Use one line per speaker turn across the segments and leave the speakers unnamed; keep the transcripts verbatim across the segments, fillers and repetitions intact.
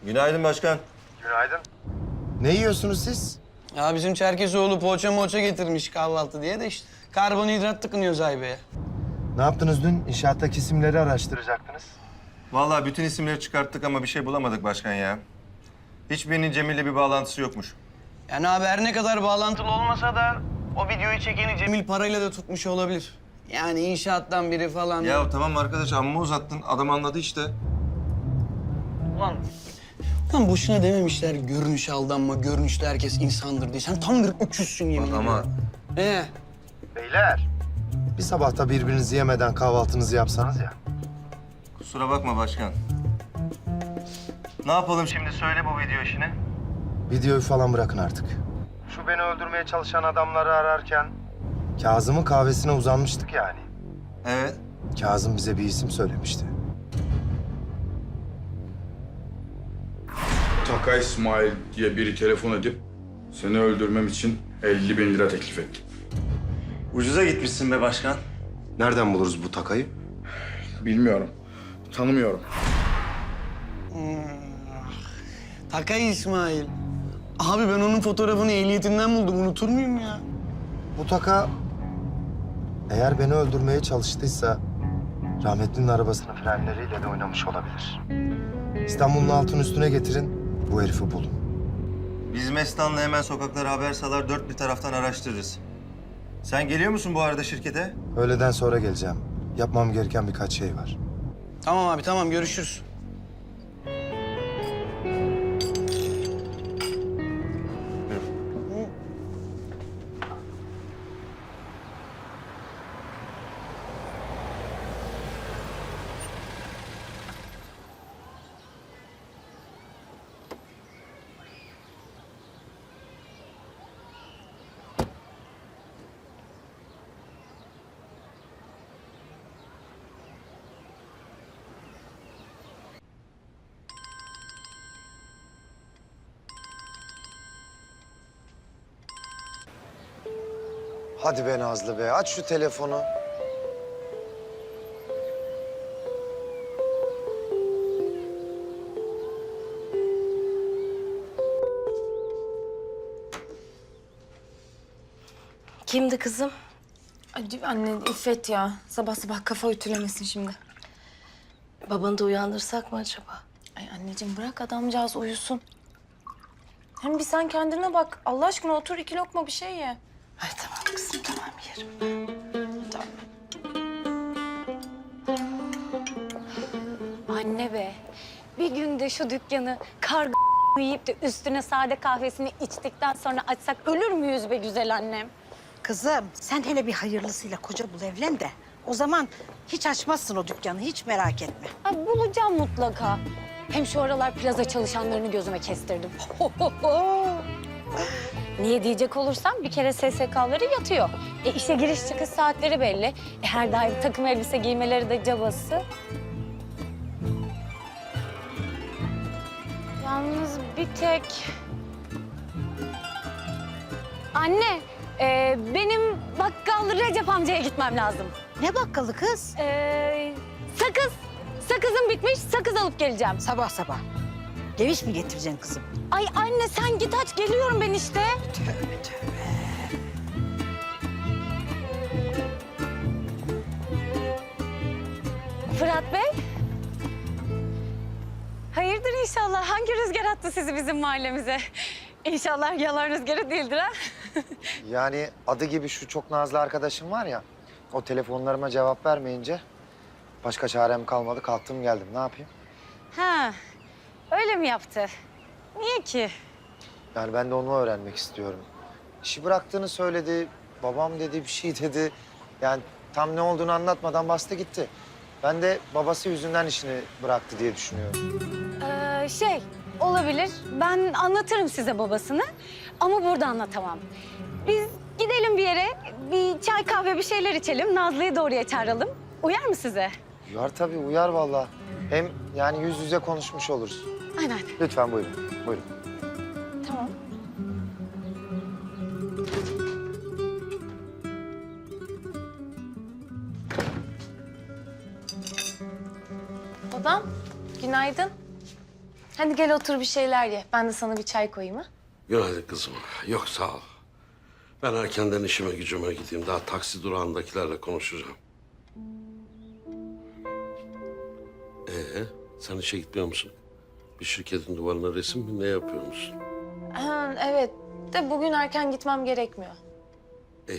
Günaydın başkan.
Günaydın. Ne yiyorsunuz siz?
Ya bizim Çerkezoğlu poğaça moğaça getirmiş kahvaltı diye de işte karbonhidrat tıkınıyor Zaybe'ye.
Ne yaptınız dün? İnşaattaki isimleri araştıracaktınız.
Vallahi bütün isimleri çıkarttık ama bir şey bulamadık başkan ya. Hiçbirinin Cemil'le bir bağlantısı yokmuş.
Yani abi her ne kadar bağlantılı olmasa da o videoyu çekeni Cemil parayla da tutmuş olabilir. Yani inşaattan biri falan.
Ya tamam arkadaş amma uzattın. Adam anladı işte.
Ulan, ulan boşuna dememişler görünüşe aldanma, görünüşte herkes insandır diye. Sen tam bir öküzsün yemin
Bak
ediyorum.
ama
Ee,
Beyler. Bir sabahta birbirinizi yemeden kahvaltınızı yapsanız ya.
kusura bakma başkan. Ne yapalım şimdi söyle bu video işini.
Videoyu falan bırakın artık. Şu beni öldürmeye çalışan adamları ararken... Kazım'ın kahvesine uzanmıştık yani.
Evet.
Kazım bize bir isim söylemişti.
Taka İsmail diye biri telefon edip seni öldürmem için elli bin lira teklif etti.
Ucuza gitmişsin be başkan.
Nereden buluruz bu takayı?
Bilmiyorum, tanımıyorum.
Takay İsmail. Abi ben onun fotoğrafını ehliyetinden buldum. Unutur muyum ya?
Bu taka... Eğer beni öldürmeye çalıştıysa... rahmetlinin arabasının frenleriyle de oynamış olabilir. İstanbul'un altın üstüne getirin, bu herifi bulun.
Biz Mestan'la hemen sokaklara haber salar dört bir taraftan araştırırız. Sen geliyor musun bu arada şirkete?
Öğleden sonra geleceğim. Yapmam gereken birkaç şey var.
Tamam abi tamam görüşürüz.
Hadi be Nazlı be, aç şu telefonu.
Kimdi kızım?
Ay anne İffet ya. Sabah sabah kafa ütülemesin şimdi.
Babanı da uyandırsak mı acaba?
Ay anneciğim bırak adamcağız uyusun. Hem bir sen kendine bak. Allah aşkına otur iki lokma bir şey ye.
Ay tamam kızım tamam yerim.
Tamam.
Anne be, bir günde şu dükkanı karga yiyip de üstüne sade kahvesini içtikten sonra açsak ölür müyüz be güzel annem?
Kızım sen hele bir hayırlısıyla koca bul evlen de. O zaman hiç açmazsın o dükkanı, hiç merak etme.
Ay, bulacağım mutlaka. Hem şu aralar plaza çalışanlarını gözüme kestirdim. Niye diyecek olursam bir kere S S K'ları yatıyor. E işe giriş çıkış saatleri belli. E, her daim takım elbise giymeleri de cabası. Yalnız bir tek... Anne, e, benim bakkal Recep amcaya gitmem lazım.
Ne bakkalı kız?
E, sakız, sakızım bitmiş, sakız alıp geleceğim.
Sabah sabah. Geviş mi getireceksin kızım?
Ay anne sen git aç, geliyorum ben işte.
Tövbe tövbe.
Fırat Bey. Hayırdır inşallah? Hangi rüzgar attı sizi bizim mahallemize? İnşallah yalan rüzgarı değildir ha?
Yani adı gibi şu çok nazlı arkadaşım var ya, o telefonlarıma cevap vermeyince başka çarem kalmadı, kalktım geldim. Ne yapayım?
Ha, öyle mi yaptı? Niye ki?
Yani ben de onu öğrenmek istiyorum. İşi bıraktığını söyledi, babam dedi, bir şey dedi. Yani tam ne olduğunu anlatmadan bastı gitti. Ben de babası yüzünden işini bıraktı diye düşünüyorum.
Ee, şey, olabilir. Ben anlatırım size babasını ama burada anlatamam. Biz gidelim bir yere, bir çay kahve bir şeyler içelim. Nazlı'yı da oraya çağıralım. Uyar mı size?
Uyar tabii, uyar vallahi. Hem yani yüz yüze konuşmuş oluruz.
Aynen.
Lütfen buyurun, buyurun.
Tamam.
Babam günaydın. Hadi gel otur bir şeyler ye. Ben de sana bir çay koyayım ha.
Günaydın kızım. Yok sağ ol. Ben erkenden işime gücüme gideyim. Daha taksi durağındakilerle konuşacağım. Ee, sen işe gitmiyor musun? Bir şirketin duvarına resim mi ne yapıyor musun?
Ha, evet. De bugün erken gitmem gerekmiyor.
İyi.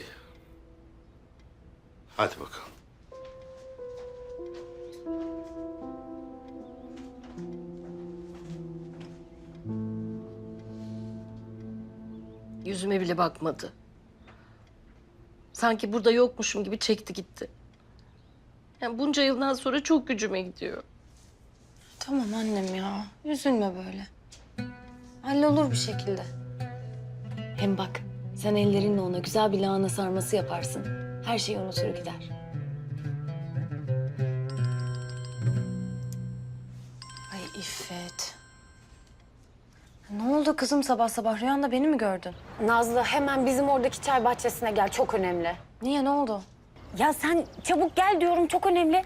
Hadi bakalım.
Yüzüme bile bakmadı. Sanki burada yokmuşum gibi çekti gitti. Yani bunca yıldan sonra çok gücüme gidiyor.
Tamam annem ya. Üzülme böyle. Hallolur bir şekilde. Hem bak sen ellerinle ona güzel bir lahana sarması yaparsın. Her şeyi unutur gider. Ay İffet. Ne oldu kızım sabah sabah? Rüyanda beni mi gördün?
Nazlı hemen bizim oradaki çay bahçesine gel, çok önemli.
Niye, ne oldu?
Ya sen çabuk gel diyorum, çok önemli.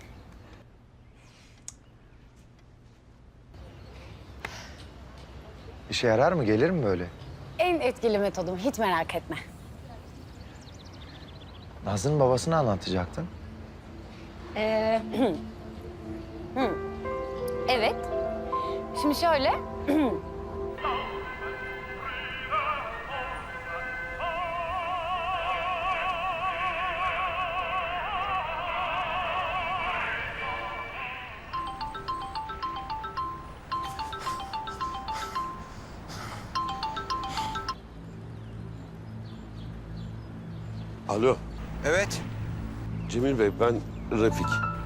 İşe yarar mı? Gelir mi böyle?
En etkili metodum, hiç merak etme.
Nazlı'nın babasını anlatacaktın.
Ee, hı. Evet. Şimdi şöyle.
Alo,
Evet.
Cemil Bey, ben Refik.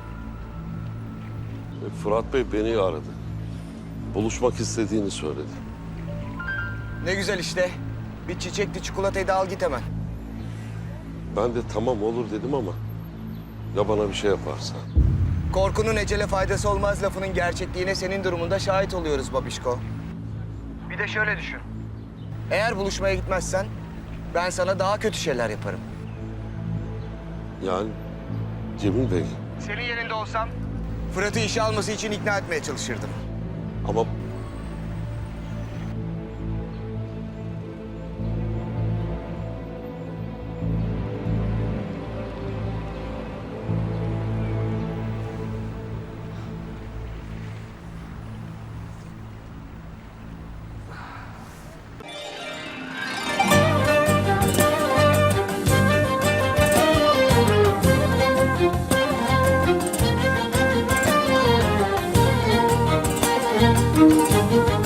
E, Fırat Bey beni aradı. Buluşmak istediğini söyledi.
Ne güzel işte. Bir çiçekli çikolatayı da al git hemen.
Ben de tamam olur dedim ama ya bana bir şey yaparsa?
Korkunun ecele faydası olmaz lafının gerçekliğine senin durumunda şahit oluyoruz babişko. Bir de şöyle düşün. Eğer buluşmaya gitmezsen ben sana daha kötü şeyler yaparım.
Yani Cemil Bey
Senin yerinde olsam Fırat'ı işe alması için ikna etmeye çalışırdım.
ama